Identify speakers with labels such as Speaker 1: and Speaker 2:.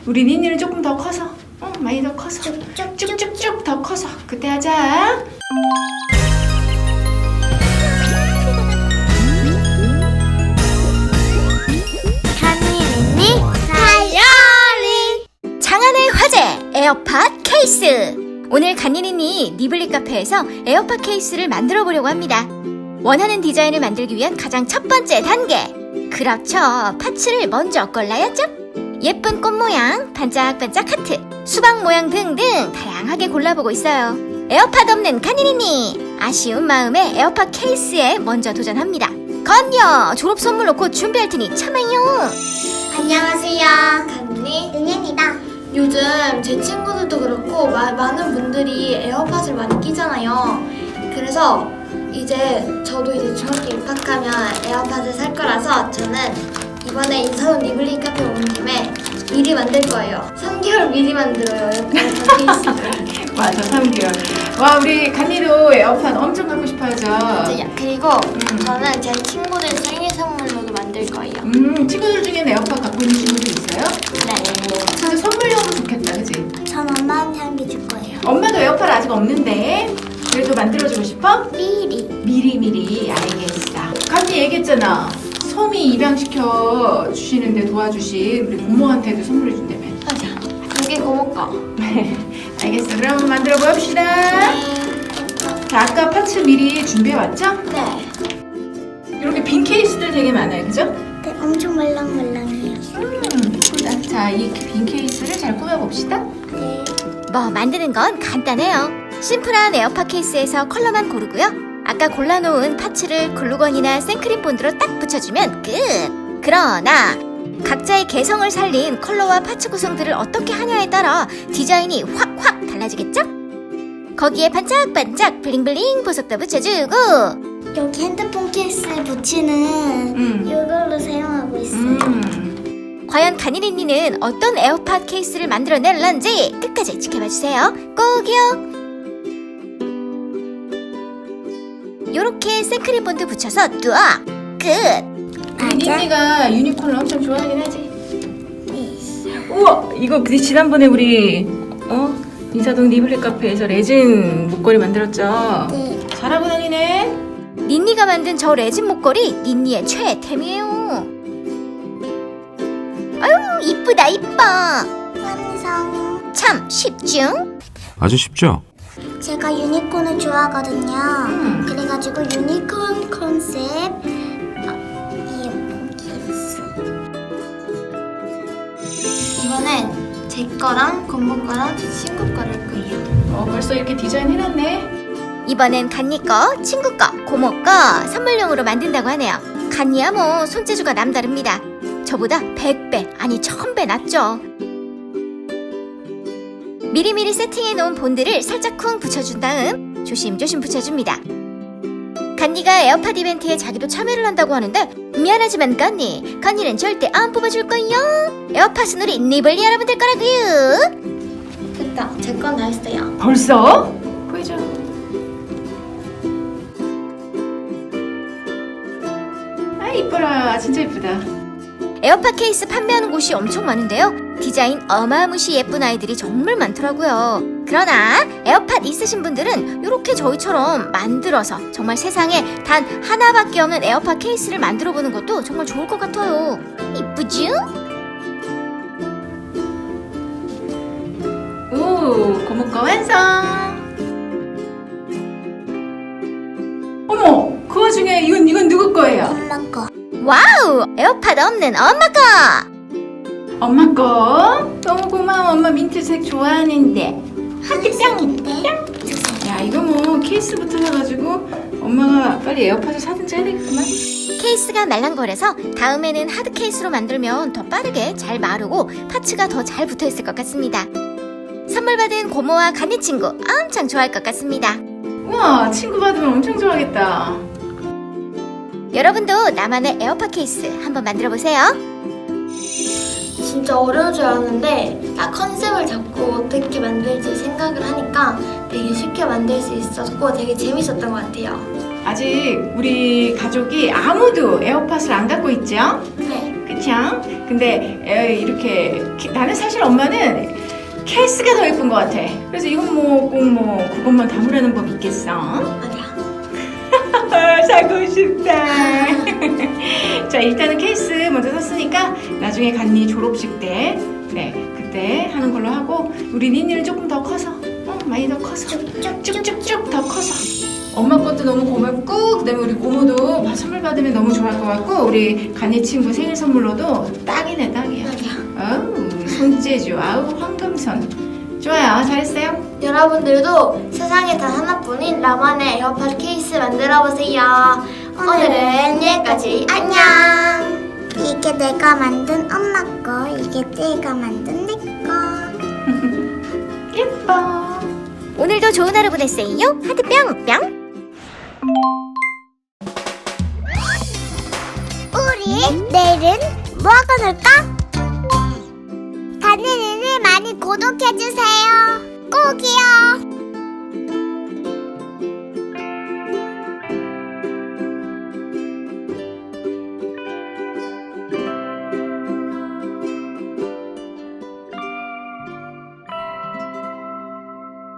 Speaker 1: 우리 니니는 조금 더 커서, 많이 더 커서, 쭉쭉쭉 더 커서 그때 하자.
Speaker 2: 간이니 다이어리.
Speaker 3: 장안의 화제 에어팟 케이스. 오늘 간이니니 니블리 카페에서 에어팟 케이스를 만들어 보려고 합니다. 원하는 디자인을 만들기 위한 가장 첫 번째 단계, 그렇죠, 파츠를 먼저 골라야죠. 예쁜 꽃 모양, 반짝반짝 하트, 수박 모양 등등 다양하게 골라보고 있어요. 에어팟 없는 간이니니 아쉬운 마음에 에어팟 케이스에 먼저 도전합니다. 건요, 졸업 선물로 곧 준비할 테니 참아요.
Speaker 2: 안녕하세요, 간니 은혜입니다.
Speaker 4: 요즘 제 친구들도 그렇고 많은 분들이 에어팟을 많이 끼잖아요. 그래서 저도 이제 중학교 입학하면 에어팟을 살 거라서 저는 이번에 인사동 니블리 카페 온 김에 미리 만들 거예요. 3개월 미리 만들어요, 에어팟 케이스를.
Speaker 1: 맞아, 3개월. 와, 우리 간이도 에어팟 엄청 갖고 싶어 하죠.
Speaker 4: 그리고 저는 제 친구들 생일 선물로도 만들 거예요.
Speaker 1: 친구들 중에 에어팟 갖고 있는 친구들 있어요?
Speaker 4: 네.
Speaker 1: 진짜 선물용으로 좋겠다, 그치?
Speaker 2: 전 엄마한테 한 개 줄 거예요.
Speaker 1: 엄마도 에어팟 아직 없는데 그래도 만들어주고 싶어? 미리 알겠어. 간이 얘기했잖아. 소미 입양시켜 주시는데 도와주신 우리 고모한테도 선물해 준다며.
Speaker 4: 맞아. 이게 고모 거.
Speaker 1: 알겠어. 그럼 만들어 봅시다. 자, 아까 파츠 미리 준비해 왔죠?
Speaker 4: 네.
Speaker 1: 이렇게 빈 케이스들 되게 많아요, 그죠?
Speaker 2: 네, 엄청 말랑말랑해요.
Speaker 1: 자, 이 빈 케이스를 잘 꾸며봅시다.
Speaker 2: 네.
Speaker 3: 뭐 만드는 건 간단해요. 심플한 에어팟 케이스에서 컬러만 고르고요. 아까 골라놓은 파츠를 글루건이나 생크림 본드로 딱 붙여주면 끝! 그러나 각자의 개성을 살린 컬러와 파츠 구성들을 어떻게 하냐에 따라 디자인이 확확 달라지겠죠? 거기에 반짝반짝 블링블링 보석도 붙여주고,
Speaker 2: 여기 핸드폰 케이스에 붙이는 이걸로 사용하고 있어요.
Speaker 3: 과연 간이니니는 어떤 에어팟 케이스를 만들어낼런지 끝까지 지켜봐주세요. 꼭이요. 요렇게 생크림 본드 붙여서 뚜아 끝!
Speaker 1: 우리 니니가 유니콘을 엄청 좋아하긴 하지. 우와, 이거 지난번에 우리 인사동 니블리 카페에서 레진 목걸이 만들었죠?
Speaker 2: 네.
Speaker 1: 잘하고 다니네.
Speaker 3: 닌니가 만든 저 레진 목걸이 닌니의 최애템이에요. 아유, 이쁘다 이뻐.
Speaker 2: 완성.
Speaker 3: 참 쉽죠?
Speaker 5: 아주 쉽죠?
Speaker 2: 제가 유니콘을 좋아하거든요. 그래가지고 유니콘 컨셉 이어폰 케이스.
Speaker 4: 이번엔 제 거랑 고모 거랑 제 친구 거를 할 거예요.
Speaker 1: 벌써 이렇게 디자인 해놨네.
Speaker 3: 이번엔 간니 거, 친구 거, 고모 거 선물용으로 만든다고 하네요. 간니야 뭐 손재주가 남다릅니다. 저보다 100배 아니 1000배 낫죠. 미리미리 세팅해 놓은 본드를 살짝 쿵 붙여준 다음 조심조심 붙여줍니다. 간니가 에어팟 이벤트에 자기도 참여를 한다고 하는데 미안하지만 간니는 절대 안 뽑아줄 거요. 에어팟은 우리 니블리 여러분들 거라고요.
Speaker 4: 됐다. 제 건 다 했어요.
Speaker 1: 벌써? 보여줘. 아, 이뻐라. 진짜 이쁘다.
Speaker 3: 에어팟 케이스 판매하는 곳이 엄청 많은데요. 디자인 어마무시 예쁜 아이들이 정말 많더라고요. 그러나 에어팟 있으신 분들은 이렇게 저희처럼 만들어서 정말 세상에 단 하나밖에 없는 에어팟 케이스를 만들어 보는 것도 정말 좋을 것 같아요. 이쁘죠?
Speaker 1: 오, 고모 거 완성. 어머, 그 와중에 이건 누구 거예요?
Speaker 2: 엄마 거.
Speaker 3: 와우! 에어팟 없는 엄마 거!
Speaker 1: 엄마 거? 너무 고마워. 엄마 민트색 좋아하는데.
Speaker 2: 하늘색인데?
Speaker 1: 야, 이거 뭐 케이스부터 사가지고 엄마가 빨리 에어팟을 사든지 해야 되겠구만.
Speaker 3: 케이스가 말랑거려서 다음에는 하드 케이스로 만들면 더 빠르게 잘 마르고 파츠가 더 잘 붙어있을 것 같습니다. 선물 받은 고모와 간니 친구 엄청 좋아할 것 같습니다.
Speaker 1: 우와, 친구 받으면 엄청 좋아하겠다.
Speaker 3: 여러분도 나만의 에어팟 케이스 한번 만들어보세요.
Speaker 4: 진짜 어려울 줄 알았는데 딱 컨셉을 잡고 어떻게 만들지 생각을 하니까 되게 쉽게 만들 수 있었고 되게 재밌었던 것 같아요.
Speaker 1: 아직 우리 가족이 아무도 에어팟을 안 갖고 있죠?
Speaker 4: 네.
Speaker 1: 그치? 그쵸? 근데 이렇게 나는 사실 엄마는 케이스가 더 예쁜 것 같아. 그래서 이건 뭐 꼭 뭐 그것만 담으라는 법 있겠어?
Speaker 4: 아니야.
Speaker 1: 사고 싶다. 자, 일단은 케이스 먼저 샀으니까 나중에 간니 졸업식 때, 네, 그때 하는 걸로 하고, 우리 니니는 조금 더 커서, 많이 더 커서, 쭉쭉쭉 더 커서. 엄마 것도 너무 고맙고, 그다음에 우리 고모도 선물 받으면 너무 좋아할 것 같고, 우리 간니 친구 생일 선물로도 딱이네, 딱이야. 어우, 손재주, 아우 황금손. 좋아요, 잘했어요.
Speaker 4: 여러분들도 세상에 단 하나뿐인 나만의 에어팟 케이스 만들어보세요. 오늘은 여기까지. 안녕.
Speaker 2: 이게 내가 만든 엄마 거, 이게 내가 만든 내 거.
Speaker 1: 예뻐.
Speaker 3: 오늘도 좋은 하루 보내세요. 하트 뿅뿅.
Speaker 2: 우리 내일은 뭐하고 놀까? 간이니를 많이 구독해주세요. 꼭이요.